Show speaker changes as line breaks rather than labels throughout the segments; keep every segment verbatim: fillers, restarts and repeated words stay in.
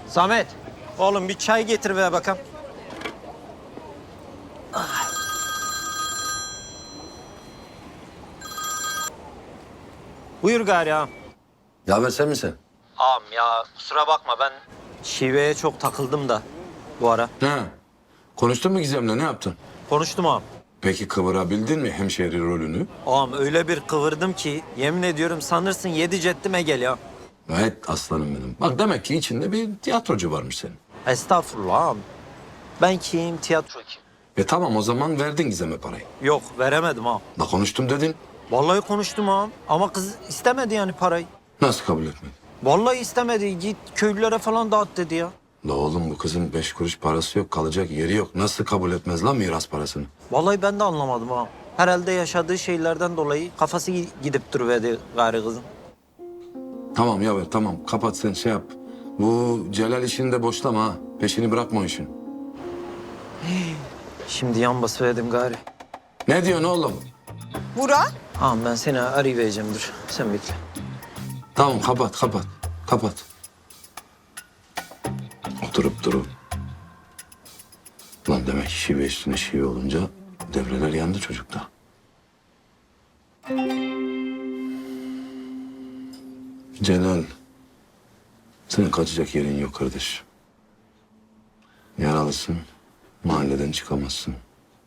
Samet, oğlum bir çay getir ve bakalım. Buyur gari ağam.
Ya ver sen misin?
Ağam ya kusura bakma ben şiveye çok takıldım da bu ara.
He. Konuştun mu Gizem'le, ne yaptın?
Konuştum ağam.
Peki kıvırabildin mi hemşehri rolünü?
Ağam öyle bir kıvırdım ki yemin ediyorum sanırsın yedi ceddime geliyor.
Gayet aslanım benim. Bak demek ki içinde bir tiyatrocu varmış senin.
Estağfurullah ağam. Ben kim, tiyatro kim?
E tamam, o zaman verdin Gizem'e parayı.
Yok veremedim ağam.
Da konuştum dedin.
Vallahi konuştum ağam ama kız istemedi yani parayı.
Nasıl kabul etmedin?
Vallahi istemedi. Git köylülere falan dağıt dedi ya.
La oğlum, bu kızın beş kuruş parası yok, kalacak yeri yok. Nasıl kabul etmez lan miras parasını?
Vallahi ben de anlamadım ha. Herhalde yaşadığı şeylerden dolayı kafası gi- gidip duruverdi gari kızın.
Tamam ya ver, tamam kapat sen, şey yap. Bu Celal işini de boşlama ha. Peşini bırakma o işin.
Şimdi yan basıverdim gari.
Ne diyorsun oğlum?
Burak?
Ağam ben seni arayıvereceğim dur. Sen bekle.
Tamam kapat kapat. Kapat. Oturup durup. Lan demek ki şive üstüne şive olunca devreler yandı çocukta. Celal. Senin kaçacak yerin yok kardeş. Yaralısın. Mahalleden çıkamazsın.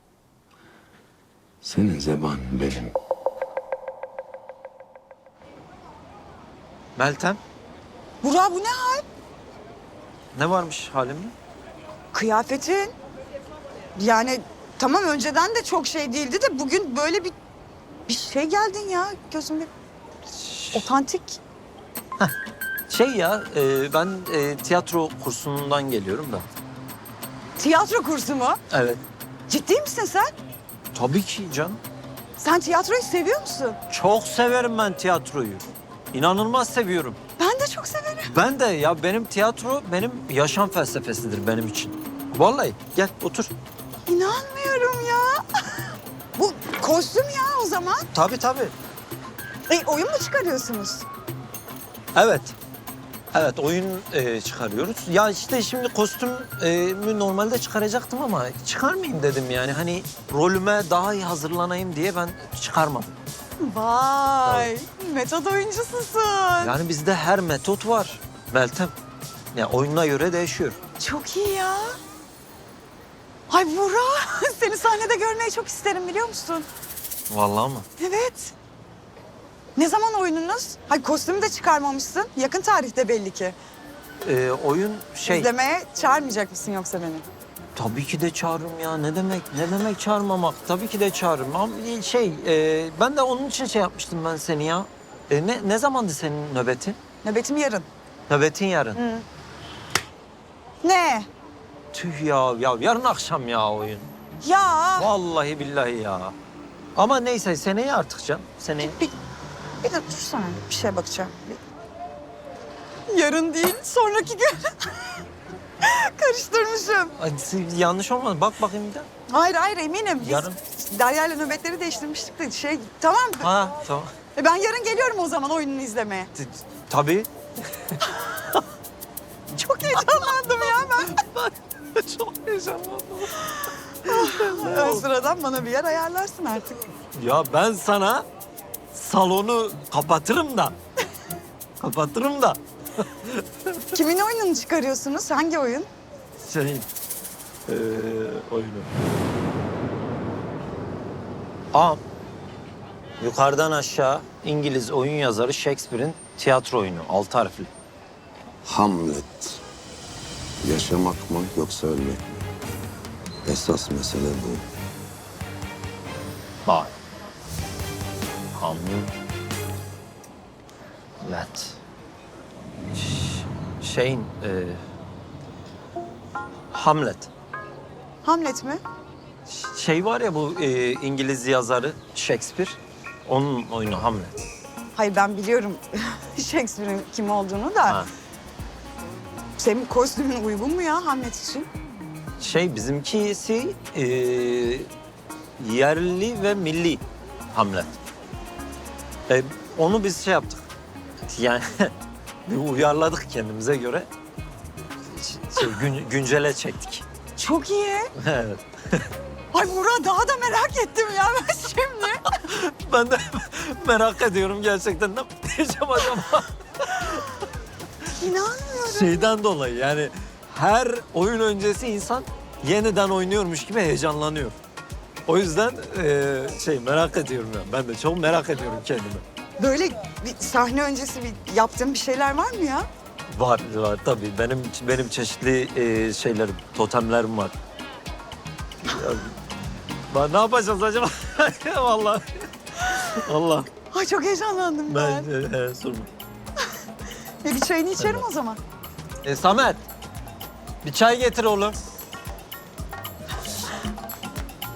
Senin zeban benim.
Meltem
Burak bu ne hal?
ne varmış halimde?
Kıyafetin. Yani tamam önceden de çok şey değildi de bugün böyle bir bir şey geldin ya. Gözüm bir otantik.
Şey ya e, ben e, tiyatro kursundan geliyorum da.
Tiyatro kursu mu?
Evet.
Ciddi misin sen?
Tabii ki canım.
Sen tiyatroyu seviyor musun?
Çok severim ben tiyatroyu. İnanılmaz seviyorum.
Ben de çok severim.
Ben de ya benim tiyatro benim yaşam felsefesidir benim için. Vallahi gel otur.
İnanmıyorum ya. Bu kostüm ya o zaman.
Tabii tabii.
E, oyun mu çıkarıyorsunuz?
Evet. Evet oyun e, çıkarıyoruz. Ya işte şimdi kostümü normalde çıkaracaktım ama çıkarmayayım dedim yani. Hani rolüme daha iyi hazırlanayım diye ben çıkarmadım.
Vay, metot oyuncususun.
Yani bizde her metot var Meltem. Ya oyununa göre değişiyor.
Çok iyi ya. Ay Burak, seni sahnede görmeyi çok isterim biliyor musun?
Vallahi mı?
Evet. Ne zaman oyununuz? Hay kostümü de çıkarmamışsın. Yakın tarihte belli ki.
Ee, oyun şey...
İzlemeye çağırmayacak mısın yoksa beni?
Tabii ki de çağırırım ya. Ne demek? Ne demek çağırmamak? Tabii ki de çağırırım. Ama şey, e, ben de onun için şey yapmıştım ben seni ya. E, ne, ne zamandı senin nöbetin?
Nöbetim yarın.
Nöbetin yarın.
Hı. Ne?
Tüh ya, ya yarın akşam ya oyun.
Ya.
Vallahi billahi ya. Ama neyse seneye artık canım. Seneye.
Bir, bir de dursana. Bir şeye bakacağım. Bir- Yarın değil, sonraki gün. Karıştırmışım.
Ay, yanlış olmadı. Bak bakayım bir de.
Hayır hayır eminim. Biz
Yarın.
Derya'yla nöbetleri değiştirmiştik de şey tamam.
Ha tamam.
E ben yarın geliyorum o zaman oyununu izlemeye.
T- Tabii.
Çok heyecanlandım ya ben.
Çok heyecanlandım.
Ön sıradan bana bir yer ayarlarsın artık.
Ya ben sana salonu kapatırım da. Kapatırım da.
Kimin oyununu çıkarıyorsunuz? Hangi oyun?
Senin ee, oyunu. Ağam, yukarıdan aşağı İngiliz oyun yazarı Shakespeare'in tiyatro oyunu, altı harfli.
Hamlet. Yaşamak mı yoksa ölmek mi? Esas mesele bu.
Bak. Hamlet. Ş- Şeyin, e, Hamlet.
Hamlet mi?
Ş- Şey var ya bu e, İngiliz yazarı Shakespeare, onun oyunu Hamlet.
Hayır ben biliyorum Shakespeare'in kim olduğunu da.
Ha.
Senin kostümün uygun mu ya Hamlet için?
Şey bizimkisi e, yerli ve milli Hamlet. E, onu biz şey yaptık. Yani bir uyarladık kendimize göre. şey, gün, güncele çektik.
Çok iyi.
Evet.
Ay Burak daha da merak ettim ya ben şimdi.
Ben de merak ediyorum gerçekten ne diyeceğim acaba?
İnanmıyorum.
Şeyden dolayı yani her oyun öncesi insan yeniden oynuyormuş gibi heyecanlanıyor. O yüzden eee, şey merak ediyorum ya. Ben de çok merak ediyorum kendimi.
Böyle bir sahne öncesi bir yaptığın bir şeyler var mı ya?
Var var tabii. Benim benim çeşitli eee, şeylerim, totemlerim var. Ya, ben ne yapacağız acaba? Vallahi. Allah.
Ay çok heyecanlandım ben.
Ben e, sorma.
E, bir çayını içerim o zaman.
E, Samet. Bir çay getir oğlum.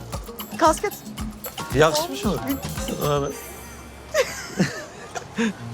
Kasket.
Yakışmış mı? Evet.